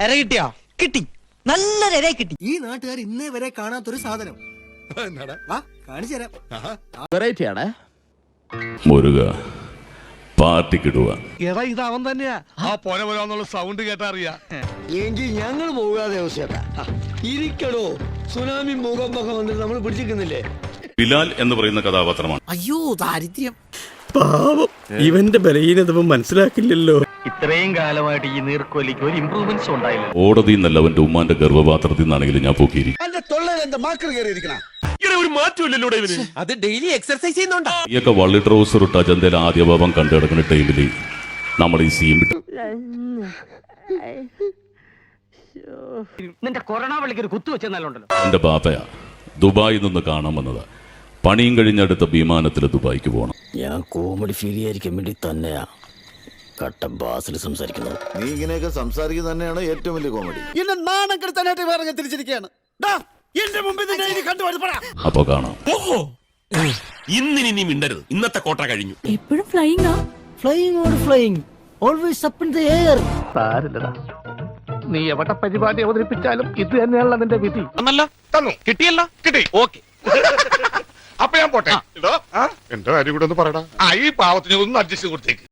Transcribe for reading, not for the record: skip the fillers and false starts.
എര കിട്ടിയോ? കിട്ടി, നല്ലൊരു എര കിട്ടി. ഈ നാട്ടുകാർ ഇന്നേ വരെ കാണാത്തൊരു സാധനം കാണിച്ചു തരാം. വെറൈറ്റി ആണ്. മുരുക പാർട്ടിക്കിടുക. എടാ ഇത് അവൻ തന്നെയാ. ആ പോരാന്നുള്ള സൗണ്ട് കേട്ടാ അറിയാ. എങ്കിൽ ഞങ്ങൾ പോകാതെ ഇരിക്കടോ. സുനാമി മുഖം വന്നിട്ട് നമ്മൾ പിടിച്ചിരിക്കുന്നില്ലേ? ബിലാൽ എന്ന് പറയുന്ന കഥാപാത്രമാണ്. അയ്യോ ദാരിദ്ര്യം. പാവം, ഇവന്റെ ബലഹീനത മനസ്സിലാക്കില്ലല്ലോ. ഇത്രയും കാലമായിട്ട് ഈ നീർക്കോലിക്ക് ഒരു ഇംപ്രൂവ്മെന്റ്സ് ഉണ്ടായില്ല. ഓടതിൽ നിന്നല്ല അവന്റെ ഉമ്മാന്റെ ഗർഭപാത്രത്തിൽ നിന്നാണെങ്കിലും ഞാൻ പൊക്കിയിരിക്കും. അത് ഡെയിലി എക്സർസൈസ് ചെയ്യുന്നുണ്ടോ? ഈയൊക്കെ വള്ളി ട്രൗസർ ഇട്ട അജന്തയിൽ ആദ്യ ഭാവം കണ്ടു കിടക്കുന്ന ടൈമില് നമ്മൾ ഈ സീൻ വിട്ടു. നിന്റെ കൊറോണ വിളിക്കൊരു കുത്തു വെച്ചെന്നാലുണ്ടല്ലോ. എന്റെ ബാപ്പയാ ദുബായിൽ നിന്ന് കാണാൻ വന്നതാ. പണിയും കഴിഞ്ഞടുത്ത വിമാനത്തിൽ ദുബായിക്ക് പോകണം. ഞാൻ കോമഡി ഫീൽ ചെയ്യാതിരിക്കാൻ വേണ്ടി തന്നെയാ കട്ട ബാസിൽ സംസാരിക്കുന്നത്. നീ ഇങ്ങനെയൊക്കെ സംസാരിക്കുന്നത് തന്നെയാണ് ഏറ്റവും വലിയ കോമഡി. എന്നെ നാണം കെടുത്താനായിട്ട് വേറെ തിരിച്ചിരിക്കുകയാണ്. എന്റെ മുമ്പിൽ അപ്പൊ കാണാം. ഇന്നിനി നീ മിണ്ടരുത്. ഇന്നത്തെ കോട്ട കഴിഞ്ഞു. എപ്പോഴും flying flying or flying always up in the air. സാരില്ലടാ, നീ എവിടെ പരിപാടി അവതരിപ്പിച്ചാലും ഇത് തന്നെയാണല്ലോ നിന്റെ വിധി. തന്നു, കിട്ടിയല്ലോ, കിട്ടി. ഓക്കെ, അപ്പൊ ഞാൻ പോട്ടെ. എന്റെ കാര്യം കൂടെ ഒന്ന് പറയടാ. ഈ പാവത്തിന് ഒന്ന് അഡ്ജസ്റ്റ് കൊടുത്തേക്ക്.